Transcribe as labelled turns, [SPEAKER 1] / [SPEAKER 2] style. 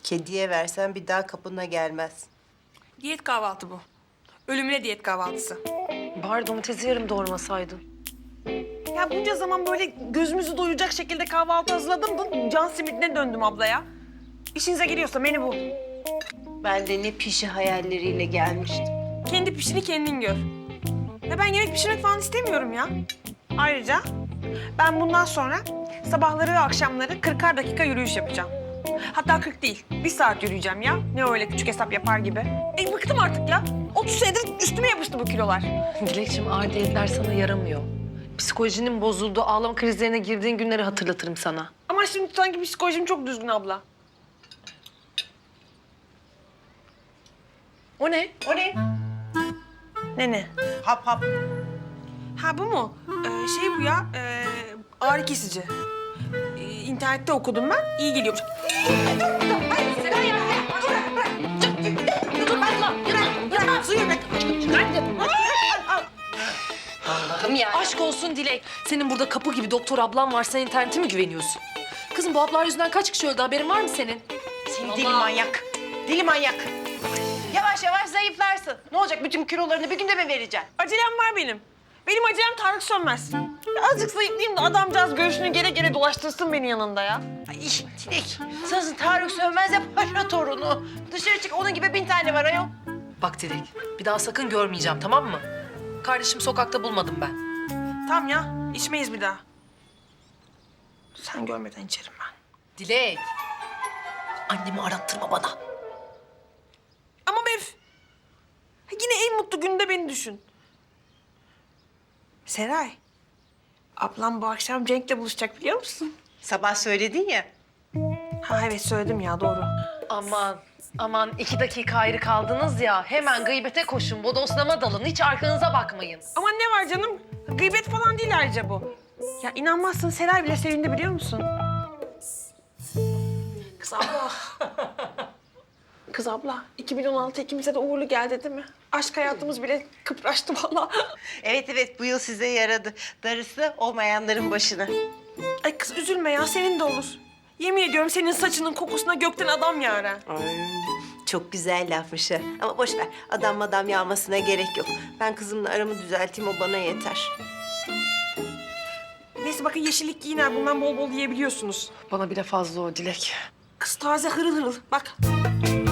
[SPEAKER 1] Kediye versen bir daha kapına gelmez.
[SPEAKER 2] Diyet kahvaltı bu. Ölümüne diyet kahvaltısı.
[SPEAKER 3] Bari domatesi yarım doğramasaydın.
[SPEAKER 2] Ya bunca zaman böyle gözümüzü doyuracak şekilde kahvaltı hazırladım da can simitine döndüm ablaya. İşinize geliyorsa menü bu.
[SPEAKER 1] Ben de ne pişi hayalleriyle gelmiştim.
[SPEAKER 2] Kendi pişini kendin gör. Ya ben yemek pişirmek falan istemiyorum ya. Ayrıca ben bundan sonra sabahları ve akşamları 40'ar dakika yürüyüş yapacağım. Hatta 40 değil, 1 saat yürüyeceğim ya. Ne öyle küçük hesap yapar gibi. Bıktım artık ya. 30 senedir üstüme yapıştı bu kilolar.
[SPEAKER 3] Dilekçim ağır diyetler sana yaramıyor. Psikolojinin bozulduğu, ağlama krizlerine girdiğin günleri hatırlatırım sana.
[SPEAKER 2] Ama şimdi sanki psikolojim çok düzgün abla.
[SPEAKER 3] O ne?
[SPEAKER 1] O ne?
[SPEAKER 2] Ne?
[SPEAKER 1] Hap hap.
[SPEAKER 2] Ha bu mu? Şey bu ya, ağrı kesici. İnternette okudum ben, iyi geliyormuş.
[SPEAKER 3] Allah'ım ya. Aşk olsun Dilek. Senin burada kapı gibi doktor ablan var, sen internete mi güveniyorsun? Kızım bu haplar yüzünden kaç kişi öldü, haberin var mı senin?
[SPEAKER 1] Seni deli manyak. Deli manyak. Yavaş yavaş zayıflarsın. Ne olacak, bütün kilolarını bir günde mi vereceksin?
[SPEAKER 2] Acelem var benim. Benim acelem Tarık Sönmez. Ya azıcık zayıflayayım da adamcağız göğsünü gere gere dolaştırsın beni yanında ya.
[SPEAKER 1] Ay Dilek, sensin Tarık Sönmez'e paşa torunu. Dışarı çık, onun gibi 1000 tane var ayol.
[SPEAKER 3] Bak Dilek, bir daha sakın görmeyeceğim, tamam mı? Kardeşim sokakta bulmadım ben.
[SPEAKER 2] Tamam ya, içmeyiz bir daha. Sen görmeden içerim ben.
[SPEAKER 3] Dilek, annemi arattırma bana.
[SPEAKER 2] Ama Mef, yine en mutlu günde beni düşün. Seray, ablam bu akşam Cenk'le buluşacak biliyor musun?
[SPEAKER 1] Sabah söyledin ya.
[SPEAKER 2] Ha evet söyledim ya, doğru.
[SPEAKER 3] Aman 2 dakika ayrı kaldınız ya. Hemen gıybete koşun, bodoslama dalın. Hiç arkanıza bakmayın.
[SPEAKER 2] Ama ne var canım? Gıybet falan değil ayrıca bu. Ya inanmazsın, Seray bile sevindi biliyor musun? Kız abla. Kız abla, 2016 ikimize de uğurlu geldi değil mi? Aşk hayatımız bile kıpraştı vallahi.
[SPEAKER 1] Evet, bu yıl size yaradı. Darısı olmayanların başına.
[SPEAKER 2] Ay kız üzülme ya, senin de olur. Yemin ediyorum senin saçının kokusuna gökten adam yağar ha.
[SPEAKER 1] Çok güzel lafmış ha. Ama boş ver, adam yağmasına gerek yok. Ben kızımla aramı düzelteyim, o bana yeter.
[SPEAKER 2] Neyse bakın yeşillik giyin ha, bundan bol bol yiyebiliyorsunuz.
[SPEAKER 3] Bana bile fazla o Dilek.
[SPEAKER 2] Kız taze hırıl hırıl, bak.